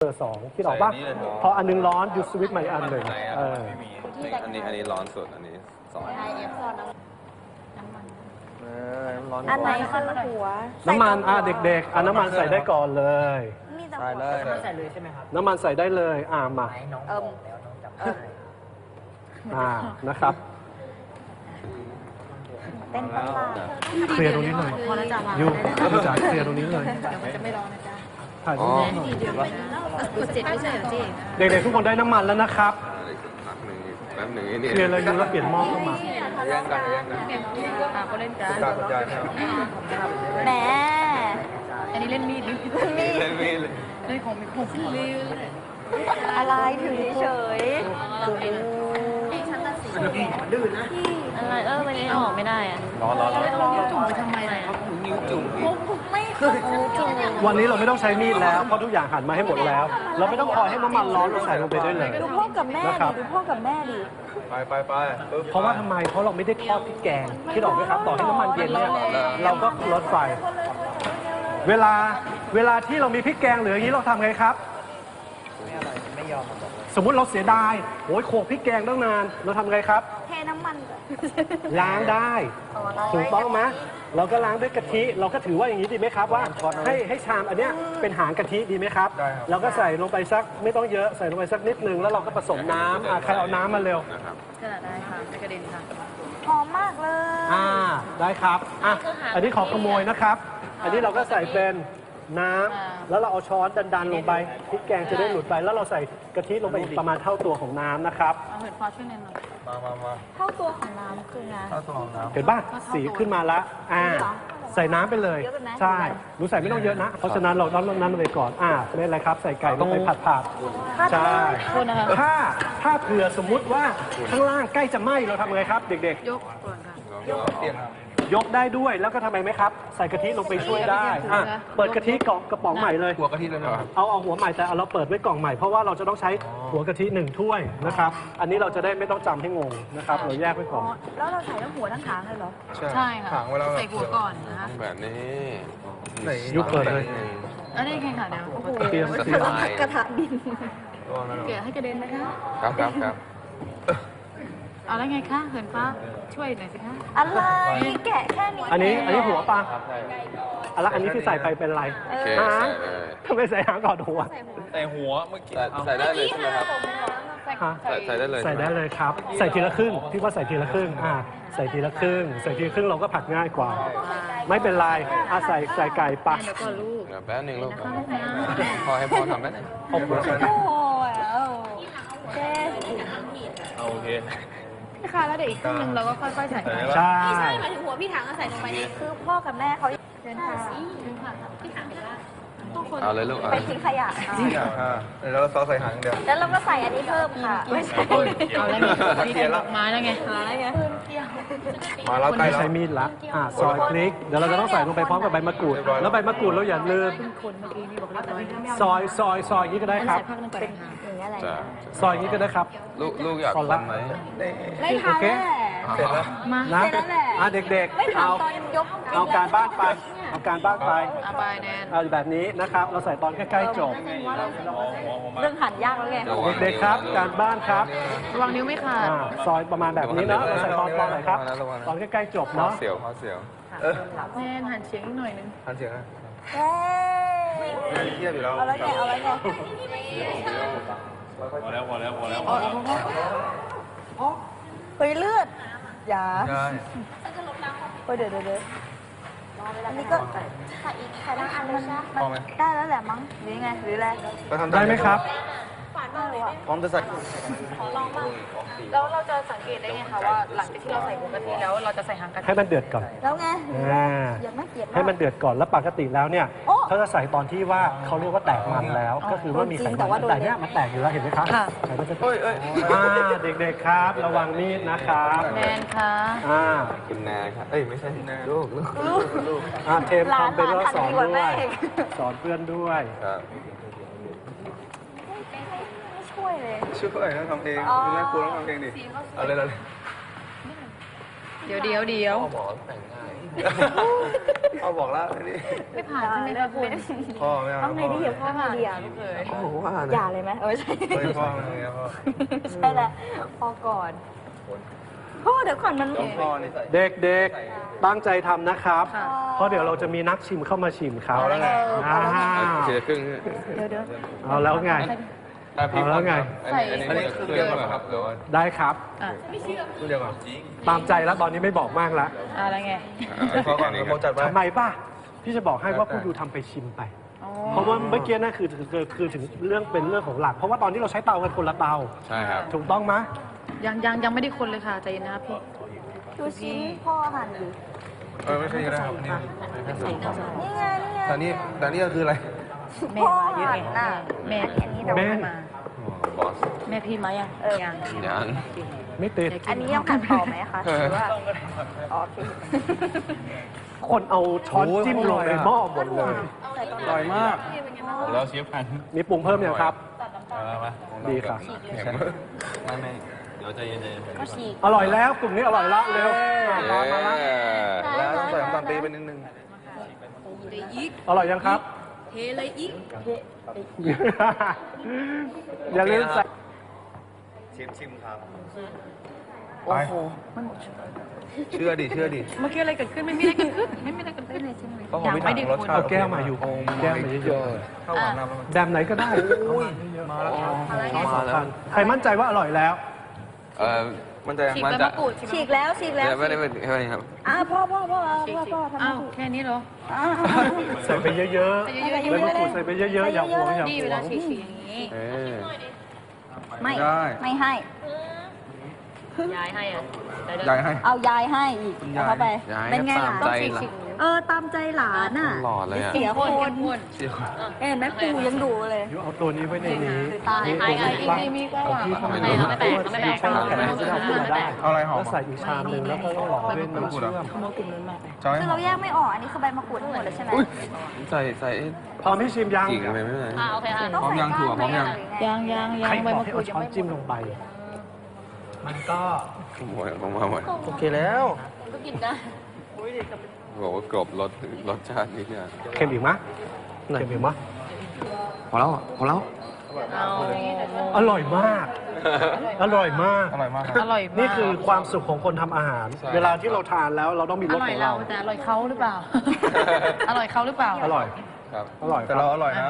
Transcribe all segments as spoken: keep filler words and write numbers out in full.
อร์สองคิดออกป่ะพออันนึงร้อนหยุดสวิตช์ใหม่อันหนึ่งเอออันนี้อันนี้ร้อนสุดอันนี้สองอันไหนคือหัวน้ำมันอ่ะเด็กๆอ่ะน้ำมันใส่ได้ก่อนเลยใส่เลยใส่เลยใช่ไหมครับน้ำมันใส่ได้เลยอ่ะมาน้องบอกแล้วน้องจำได้อ่านะครับเต้นประหลาดเคลียร์ตรงนี้หน่อยพอแล้วจ้ะยูยูจ๋าเคลียร์ตรงนี้เลยจะไม่ร้อนนะจ๊ะถ่ายรูปให้หน่อยกดเจ็ดไม่ใช่เหรอจีเด็กๆทุกคนได้น้ำมันแล้วนะครับพักหนึ่งแป๊บหนึ่งนี่เคลียร์เลยยูแล้วเปลี่ยนหม้อเข้ามาแย่งกันแย่งกันอ่ะก็เล่นกันการกระจายครับแหมอันนี้เล่นมีดดิมีเล่นมีดเล่นของมีของขึ้นเลยอะไรถือเฉยอะไรเออวันนี้ออกไม่ได้อะร้อนร้อนร้อนจุ่มไปทำไมอะนิ้วจุ่มไม่คือจุ่มวันนี้เราไม่ต้องใช้มีดแล้วเพราะทุกอย่างหั่นมาให้หมดแล้ว เราไม่ต้องคอยให้น้ำมันร้อนเราใส่ลงไปได้เลยดูพ่อกับแม่นะคดิรับดูพ่อกับแม่ดิไปไปไปเพราะว่าทำไมเพราะเราไม่ได้ทอดพริกแกงคิดออกไหมครับต่อให้น้ำมันเย็นเนี่ยเราก็ลดไฟเวลาเวลาที่เรามีพริกแกงเหลืออย่างนี้เราทำไงครับไม่ยอมสมมุติเราเสียดายโอ้ยโขลกพริกแกงตั้งนานเราทำไงครับเทน้ำมันล้างได้ถูกต้องไหมเราก็ล้างด้วยกะทิเราก็ถือว่าอย่างนี้ดีไหมครับว่าให้ให้ชามอันเนี้ยเป็นหางกะทิดีไหมครับเราก็ใส่ลงไปสักไม่ต้องเยอะใส่ลงไปสักนิดนึงแล้วเราก็ผสมน้ำอ่ะใครเอาน้ำมาเร็วนะครับกระดาษได้ค่ะไม่กระเด็นค่ะหอมมากเลยอ่าได้ครับอ่ะอันนี้ขอขโมยนะครับ อันนี้เราก็ใส่เป็นน้ำแล้วเราเอาช้อนดันๆลงไปพริกแกงจะได้หลุดไปแล้วเราใส่กะทิลงไปอีกประมาณเท่าตัวของน้ำนะครับเอาเห็ดฟ้าช่วยแนนหน่อยมามามาเท่าตัวของน้ำคือไงข้าวตัวของน้เห็นป่ะสีขึ้นมาละอ่าใส่น้ำไปเลยเยอะไปไหมใช่หนูใส่ไม่ต้องเยอะนะ เพราะฉะนั้นเราต้องลดน้ำลงไปก่อนอ่าไม่เป็นไรครับใส่ไก่ลงไปผัดผัดๆใช่โทษนะคะถ้าถ้าเผื่อสมมุติว่าข้างล่างใกล้จะไหม้เราทำไงครับ เด็กยกก่อนค่ะำเปลี่ยนครับๆ ยกได้ด้วยแล้วก็ทำไมไหมครับ ใส่กะทิลงไปช่วยได้อ่ะเปิดกะทิกล่องกระป๋องใหม่เลยหัวกะทิเลยนะครับเอาเอาหัวใหม่แต่เอาเราเปิดไว้กล่องใหม่เพราะว่าเราจะต้องใช้หัวกะทิหนึ่งถ้วยนะครับ อันนี้เราจะได้ไม่ต้องจำให้งงนะครับ เราแยกไว้ก่อนแล้วเราใส่ทั้งหัวทั้งหางเลยเหรอใช่ค่ะถางไว้แล้วใส่หัวก่อนนะคะแบบนี้ยุบเปิดเลยอันนี้แข่งขันเดี๋ยวโอ้โหเตรียมสบายกระทะดินเกลี่ยให้กระเด็นนะคะครับครับครับเอาแล้วไงคะเหินฟ้าช่วยหน่อยสิคะอะไรแกะแค่นี้อันนี้อันนี้หัวปลาอะแล้วอันนี้ที่ใส่ไปเป็นอะไรโอเคหางใส่เลยทำไมใส่หางก่อนหัวแต่หัวเมื่อกี้ใส่ใส่ได้เลยใช่ไหมครับฮะใส่ใส่ได้เลยใส่ได้เลยครับ ใส่ทีละครึ่งพี่ว่าใส่ทีละครึ่งอ่าใส่ทีละครึ่งใส่ทีละครึ่งเราก็ผัดง่ายกว่า ไม่เป็นไรอ่ะใส่ใส่ไก่ปะเดี๋ยวก่อนลูกเดี๋ยวแป๊บหนึงลูกพอให้พ่อทำได้ไหมเอาหัวใส่โอ้โหเจ๊เอาโอเคนี่ค่ะแล้วเดี๋ยวอีกครึ่งนึงเราก็ค่อยๆใส่ใส่ได้ใช่ปะใช่หมายถึงหัวพี่ถังก็ใส่ลงไปในคือพ่อกับแม่เขาเดินทางทุกคนเอาเลยลูกเอาไปทิ้งขยะอยากค่ะแล้วเราซอสใส่หางเดียวแล้วเราก็ใส่อันนี้เพิ่มค่ะไม่ใช่เอาแล้วไงมีแต่ดอกไม้แล้วไงอะไรไงมาแล้วใกล้ไม่แล้วใช้มีดละอ่าซอยพริกเดี๋ยวเราจะต้องใส่ลงไปพร้อมกับใบมะกรูด แล้วใบมะกรูดเราอย่าลืมคนเมื่อกี้นี่บอกเรียบร้อยซอยซอยซอยอย่างนี้ก็ได้ครับใส่พักนึงก่อนค่ะอย่างเงี้ยอะไรจ้ะซอยอย่างนี้ก็ได้ครับลูกลูกอยากขอรับทำไหมไม่ทันโอเคแหละเสร็จแล้วมานะเสร็จแล้วแหละอ่ะเด็กไม่ๆทันเอาตอนยกเอาการบ้านไปเอาการบ้านไปเอาไปแนนเอาแบบนี้นะครับ เราใส่ตอนใกล้ๆจบเรื่องหั่นยากแล้วไงเด็กๆครับ การบ้านครับระวังนิ้วไม่ขาดอ่าซอยประมาณแบบนี้เนาะเราใส่ตอนตอนไหนครับ ตอนใกล้ๆจบข้อเนาะเสียวข้อเสียวแนนหันเฉียงอีกหน่อยนึงทันเสียงนะเฮ้ยเทียบอยู่แล้วเอาแล้วไงเอาแล้วไงพอแล้วพอแล้วพอแล้วเฮ้ยเลือดอย่าใช่เฮ้ยเดี๋ยวเดี๋ยวเดี๋ยวอันนี้ก็ใส่อีกใส่ทั้งอันมันพอไหมได้แล้วแหละมั้งหรือไงหรืออะไรก็ทำได้ไหมครับพร้อมจะใส่แล้วเราจะสังเกตได้ไงคะว่าหลังจากที่เราใส่หัวกะทิแล้วเราจะใส่หางกะทิให้มันเดือดก่อนแล้วไงอ่าอย่าไม่เกลียดให้มันเดือดก่อนแล้วปกติแล้วเนี่ยโอ้เขาจะใส่ตอนที่ว่าเขาเรียกว่าแตกมันแล้ว ก็คือว่ามีไขจริงแต่มัว่าน โดนแต่เนี้ยมันแตกอยู่แล้วเห็นไหมครับค่ะไขมันจะเอ้ยเอ้ยอ่าเด็กๆครับ ระวังมีดนะครับแนนคะอ่าคุณแนครับเอ้ยไม่ใช่ลูกลูกลูกอ่าเทมหลานทำเป็นแล้วหลานสอนทำดีกว่าด้แม่วยอีกสอนเพื่อนด้วยครับไม่ช่วยเลยช่วยนะทำเองอ๋อคุณแม่ครูต้องทำเองดิเอาเลยเอาเลยเดี๋ยวเดี๋ยวเดี๋ยวหมอแต่งง่ายเอาบอกแล้วนี่ไม่ผ่านใช่ไหมคะคุณพ่อไม่เอาต้องไงดีอ่ะพ่อไงดีอ่ะไม่เคยพ่อบอกว่าอย่าเลยไหมเออใช่เฮ้ยพ่อไม่เอาพ่อใช่แล้วพอก่อนพ่อเดี๋ยวก่อนมันต้องพ่อนี่เด็กๆ ตั้งใจทำนะครับ เพราะเดี๋ยวเราจะมีนักชิมเข้ามาชิมครับเอาแล้วไงอ่าเสียครึ่งเดี๋ยวเดี๋ยวเอาแล้วไง เอาแล้วไงอันนี้อันนี้คือเดียวกันครับหรือว่าได้ครับคือเดียวกันตามใจแล้วตอนนี้ไม่บอกมากแล้วอะไรไงพ่อก่อนเขาจัดไปทำไมป่ะ พี่จะบอกให้ว่าผู้ดูทำไปชิมไป เพราะว่าเมื่อกี้นั่นคือคือคือถึงเรื่องเป็นเรื่องของหลัก เพราะว่าตอนที่เราใช้เตากันคนละเตาใช่ครับถูกต้องไหมยังยังยังไม่ได้คนเลยค่ะใจเย็นนะครับพี่ดูชิ้นพ่อหั่นดิเออไม่ใช่ก็ได้ครับอันนี้นี่ไงนี่ไงแต่นี่แต่นี่ก็คืออะไรแม่พ่อมาเยอะหั่เอน งน่ะแม่อันนี้เดี๋ยวแม่มาบอสแม่พี่มายังเออยังยังไม่ติดอันนี้ยังหั่นต่อไหมคะหรือว่าอ๋อโอเคคนเอาช้อนจิ้มลงในหม้อหมดเลยอร่อยมากแล้วเชฟพันมีปรุงเพิ่มยังครับมามาดีครับไม่ไม่เดี๋ยวใจเย็นๆก็ฉีกอร่อยแล้วกลุ่มนี้อร่อยละเร็วรอมาละแล้วต้องใส่น้ำตาลปี๊บไปนิดนึงอร่อยยังครับเทเลยอีกอย่าลืมใส่ชิมชิมครับโอ้โหเชื่อดิเชื่อดิเมื่อกี้อะไรเกิดขึ้นไม่มีอะไรเกิดขึ้นไม่มีอะไรเกิดขึ้นเลยใช่ไหมก็ผมไม่ถามรสชาติเอาแก้วมาอยู่แก้วมาเยอะข้าวหวานน้ำมันๆแบบไหนก็ได้มาแล้วครับเอาสองพันใครมั่นใจว่าอร่อยแล้วเออมันจะฉีกมันใบจะมะกรูดฉีกแล้วฉีกแล้วไม่ได้ไม่ได้ครับอ่าพ่อพ่อพ่อพ่อพ่อทำอ้าวถูกแค่นี้เหรออ่าใส่ไปเยอะๆเยอะใบมะกรูดใส่ไปเยอะๆ อย่าหวงอย่าๆนี่หเววลาง ฉีกฉีกอย่างนี้เออไม่ไม่ให้ยายให้อ่ะใหญ่ให้เอายายให้อีกเอาเข้าไปยายเป็นไงหลานตามใจเออตามใจหลานอ่ะหล่อเลยอ่ะเสียคคน นคนเชี่ยวเห็นไหมปูยังดูเลยยูเอาตัวนี้ไว้ในนี้ตายนี่ให้ตัวให้นี้อีกบ้างมีมีก็เอาว่าที่เข้ามาไม่ไม่แตกไม่แตกช่องแข็งจะเอาขึ้นมาได้เอาอะไรหอมแล้วใส่อีกชามหนึ่งแล้วก็ต้องหล่อด้วยน้ำเชื่อมขโมยกลุ่มนั้นมาไปใช่คือเราแยกไม่ออกอันนี้คือใบมะกรูดทั้งหมดเลยใช่ไหมใส่ใส่พร้อมให้ชิมยังกิ่งอะไรไม่เป็นไรอ่าโอเคค่ะต้องพร้อมใส่ยังถั่วพร้อมยังยังยังยัใครงใบบอมะกให้กรูเอาดยัช้งอนไม่จิ้มลงไป มันก็หมดผมมาหมดโอเคแล้วก็กินได้บอกว่ากรอบรสรสชาตินี่เนี่ยเค็มอีกมะเค็มอีกมะพอแล้วพอแล้วเอาอร่อยมาก อร่อยมากอร่อยมากอร่อยมากนี่คือความสุขของคนทำอาหารใช่เวลาที่เราทานแล้วเราต้องมีอรสร่อขยองเราเราแต่อร่อยเขาหรือเปล่า อร่อยเขาหรือเปล่าอร่อยครับอร่อยแต่เราอร่อยนะ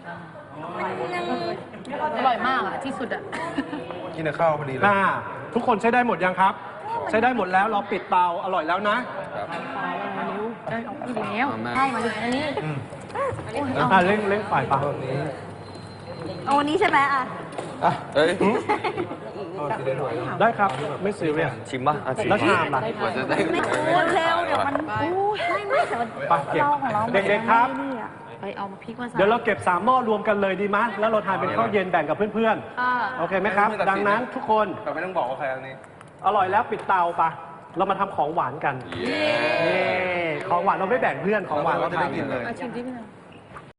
อร่อยมากอ่ะที่สุดอ่ะกินกับข้าวพอดีเลยอ่าทุกคนใช้ได้หมดยังครับ ใช้ได้หมดแล้วเราปิดเตาอร่อยแล้วนะครับได้ออกอีกแล้วแม่ให้มาดิอันนี้อ่าเร่งเร่งฝ่ายปะเอาวันนี้ใช่ไหมอ่ะอ่ะเอ้ยได้ครับไม่ซีเรียสชิมป่ะอ่ะชิมแล้วชามล่ะกว่าจะได้ไม่คูณเร็วเดี๋ยวมันไม่ไม่แต่มันไปเก็บเราของเราเด็กๆครับนี่อ่ะไปเอามาพริกมาใส่เดี๋ยวเราเก็บสามหม้อรวมกันเลยดีไหมแล้วเราทานเป็นข้าวเย็นแบ่งกับเพื่อนอ่าๆ โอเคไหมครับ ดังนั้นทุกคนแต่ไม่ต้องบอกว่าใครอันนี้อร่อยแล้วปิดเตาปะเรามาทำของหวานกันเย้เย้ของหวานเราไม่แบ่งเพื่อนของหวานเราจะทาได้นกินเลยอาชิมที่พี่หน่อย